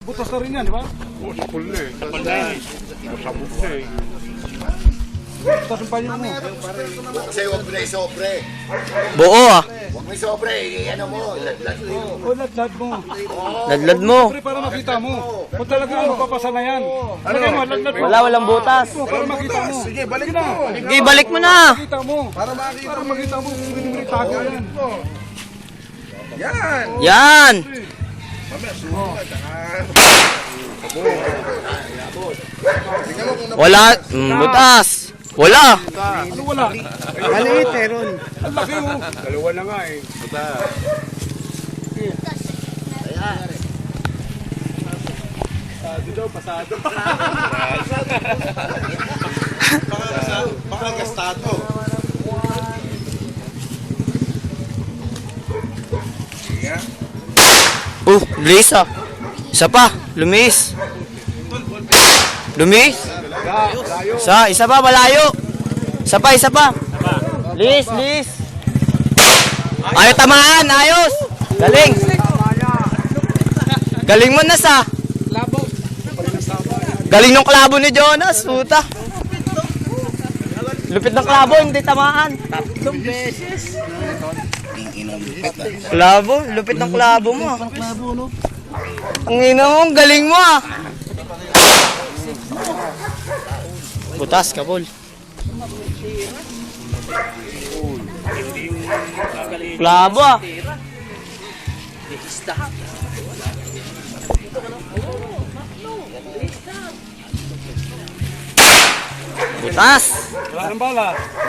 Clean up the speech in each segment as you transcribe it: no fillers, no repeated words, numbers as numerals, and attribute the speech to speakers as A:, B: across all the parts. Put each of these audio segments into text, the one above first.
A: Butas na rin yan, di ba?
B: Oo, full na eh. Masabog na eh.
A: Butas yung panyo mo.
C: Kasi huwag mo na isobre.
D: Buo ah.
C: Huwag mo isobre. Ano mo, ladlad mo.
A: O, ladlad mo.
D: Ladlad mo.
A: Pre, para makita mo. Kung talaga magpapasa na yan. Lagay mo, ladlad mo.
D: Walang butas.
A: Para makita mo. Sige, balik na.
D: Sige, balik mo na.
A: Makita mo. Para makita mo kung hindi mo itago yan.
D: Yan. Wala. Butas. Wala.
A: Ano wala?
B: Maliit eh, Ron.
A: Ang laki mo.
B: Dalawa na nga eh.
C: Baka gastado.
D: Lumis ah. Isa pa. Lumis. Lumis. Isa pa, malayo. Isa pa. Lis. Ayaw tamaan, ayos. Galing mo na sa. Galing ng klabo ni Jonas, puta. Lupit ng klabo, hindi tamaan. 3 beses. Klabo, lupit ng klabo mo. Ang ina mo, ang galing mo ah. Butas, kapol. Klabo ah. Butas.
A: Wala ng bala.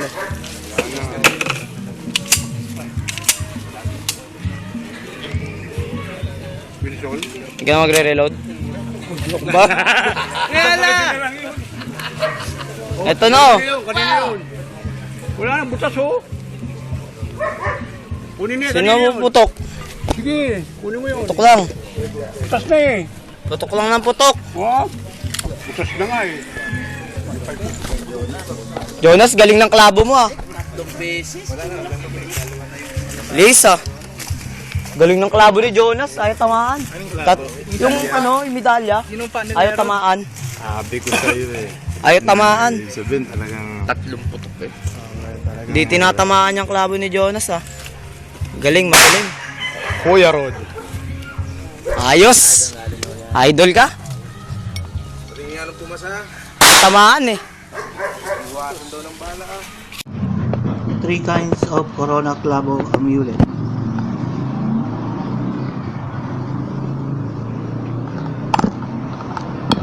B: Wilson.
D: Hindi ka magre-reload. Ba? Ito no.
B: Kanina yun. Wala nang butas oh. Kunin niya
D: Sino
B: kanina
D: mo
B: yun.
D: putok?
B: Sige, kunin mo yun.
D: Putok lang.
B: Butas na eh.
D: Putok lang ng putok.
B: Oh, butas na nga eh.
D: Jonas, galing ng klabo mo ah. Lisa. Galing ng klabo ni Jonas, ayaw tamaan. Yung yung medalya, ayaw tamaan.
E: Sabi ko sa'yo eh.
D: Ayaw tamaan.
E: Sabihin talagang...
D: Tatlong putok eh. Hindi tinatamaan yung klabo ni Jonas ah. Galing, magaling.
E: Kuya Rod.
D: Ayos. Idol ka? Tamaan eh.
F: 3 kinds of Corona Clavo Amulet.